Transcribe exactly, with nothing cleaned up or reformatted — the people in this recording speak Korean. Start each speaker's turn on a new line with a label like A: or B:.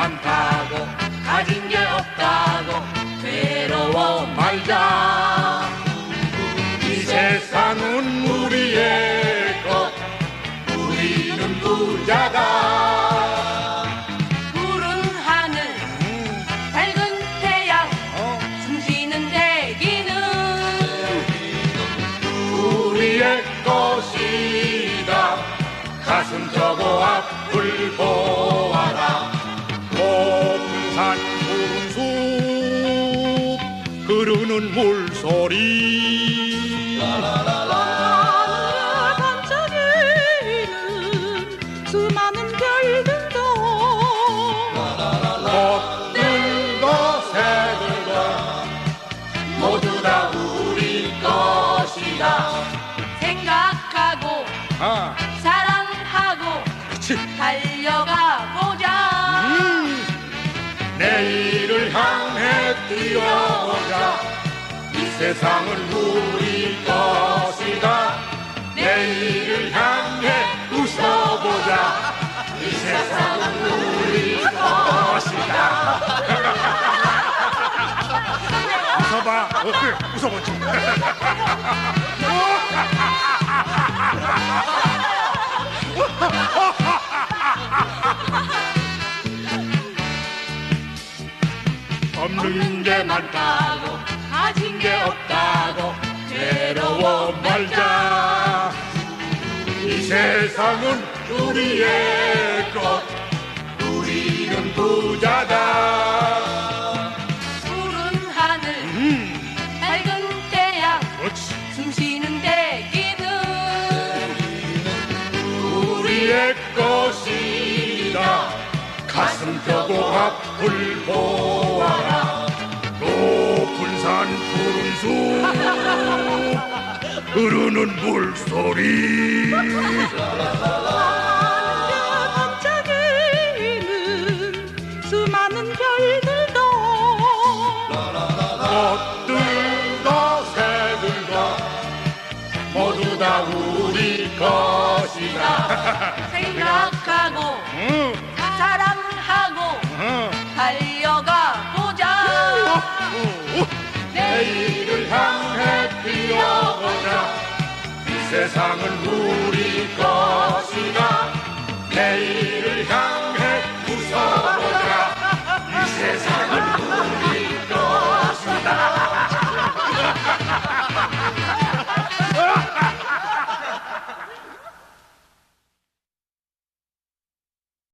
A: 많다고 가진 게 없다고 괴로워 말자. 이 세상은 우리의 것, 우리는 부자다.
B: 푸른 하늘 밝은 태양 숨쉬는 대기는
A: 우리의 것이다. 가슴 펴고 앞을 보아라. 높은 산 푸른 숲 흐르는 물소리.
B: 하늘에 반짝이는 수많은 별들도
A: 꽃들도 새들도 모두 다 우리 것이다.
B: 생각하고
A: 아,
B: 사랑하고
A: 그렇지.
B: 달려가 보자.
A: 음, 내일을 향해 뛰어보자. 이 세상은 우리 것이다. 내일을 향해 웃어보자. 이 세상은 우리 것이다. 웃어봐. 어, 그래, 웃어보지. 없는 게 많다고 가진 게 없다고 괴로워 말자. 이 세상은 우리의 것, 우리는 부자다.
B: 푸른 하늘
A: 음,
B: 밝은 태양
A: 그렇지.
B: 숨쉬는 대기는
A: 우리의 것이다. 가슴 펴고 앞을 보아라. 높은 산 푸른 숲 흐르는 물소리.
B: 하늘에 반짝이는 수많은 별들도
A: 꽃들도 새들도 모두 다 우리 것이다.
B: 생각하고
A: 응,
B: 사랑하고
A: 응.
B: 달려가 보자.
A: 내일을 향해 뛰어보자. 이 세상은 우리 것이다. 내일을 향해